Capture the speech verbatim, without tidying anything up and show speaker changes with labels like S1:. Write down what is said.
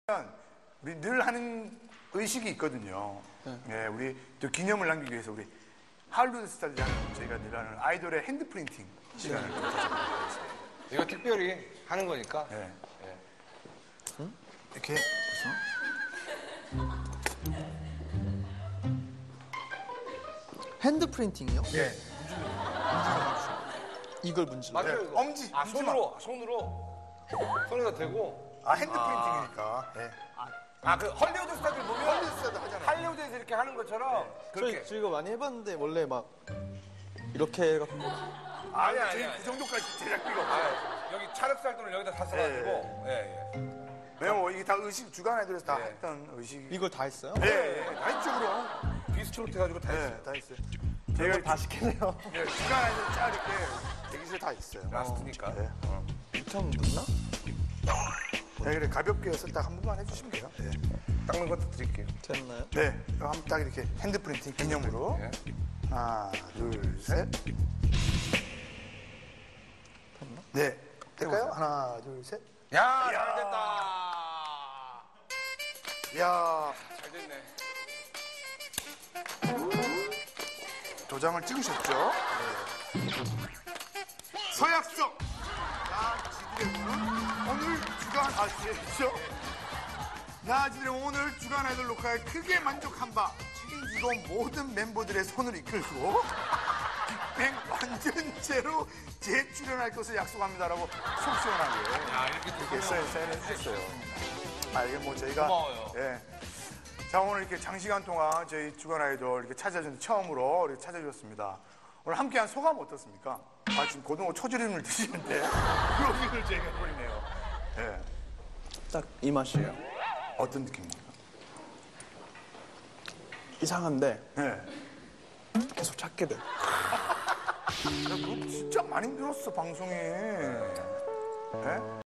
S1: 우리 늘 하는 의식이 있거든요. 네. 네, 우리 또 기념을 남기기 위해서 우리 할리우드 스타들이랑 저희가 늘 하는 아이돌의 핸드 프린팅 시간을 좀 가져보겠습니다.
S2: 이거 특별히 하는 거니까.
S1: 네.
S2: 네.
S1: 응? 이렇게 해서
S3: 핸드 프린팅이요?
S1: 네.
S3: 이걸 문질러.
S2: 맞아요.
S1: 네.
S2: 이거.
S1: 엄지,
S2: 아,
S1: 엄지만.
S2: 손으로, 손으로. 손에다 대고.
S1: 아 핸드 프린팅이니까. 네.
S2: 아, 그 헐리우드 스타들 보면
S1: 할리우드 스타들 하잖아요.
S2: 할리우드에서 이렇게 하는 것처럼 그렇게.
S3: 저희, 저 이거 많이 해봤는데 원래 막 이렇게 해갖고
S1: 아니,
S2: 아니,
S1: 저희
S2: 아니.
S1: 그 정도까지 제작비가 없어요.
S2: 아, 여기 찰흙살 돈을 여기다 다 써가지고. 예, 예.
S1: 왜냐면 이게 다 의식 주간 아이돌에서 다
S2: 네.
S1: 했던 의식이.
S3: 이걸 다 했어요?
S1: 네, 네. 다 했죠 그럼.
S2: 비스트롯 해가지고 다 했어요.
S1: 네, 다 했어요. 저희가
S3: 다 시키네요.
S1: 네, 주간 아이돌 쫙 이렇게 대기실에 다 있어요.
S2: 라스트니까.
S1: 네.
S3: 처음 묻나?
S1: 네, 그래 가볍게 해서 딱 한 번만 해주시면 돼요. 네.
S2: 닦는 것도 드릴게요.
S3: 됐나요?
S1: 네, 그럼 한번 딱 이렇게 핸드 프린팅 기념으로.
S2: 예.
S1: 하나, 둘, 셋. 네, 될까요? 하나, 둘, 셋.
S2: 야, 잘 됐다.
S1: 이야,
S2: 잘 됐네.
S1: 도장을 찍으셨죠? 네. 서약서. 나지드래곤은 오늘 주간 아시죠? 나지드래곤 오늘 주간 아이돌 녹화에 크게 만족한 바 책임지고 모든 멤버들의 손을 이끌고 빅뱅 완전체로 재출연할 것을 약속합니다라고 속 시원하게
S2: 야, 이렇게 또
S1: 이렇게 사인, 사인해 주셨어요. 아, 이게 뭐 저희가.
S2: 고마워요.
S1: 예. 자, 오늘 이렇게 장시간 동안 저희 주간 아이돌 이렇게 찾아준 처음으로 이렇게 찾아주셨습니다. 오늘 함께한 소감 어떻습니까? 아, 지금 고등어 초절임을 드시는데 그러기를 저희가 해버리네요. 예.
S3: 딱 이 맛이에요.
S1: 어떤 느낌입니까?
S3: 이상한데
S1: 예.
S3: 계속 찾게 돼.
S1: 야, 그거 진짜 많이 늘었어, 방송에. 예?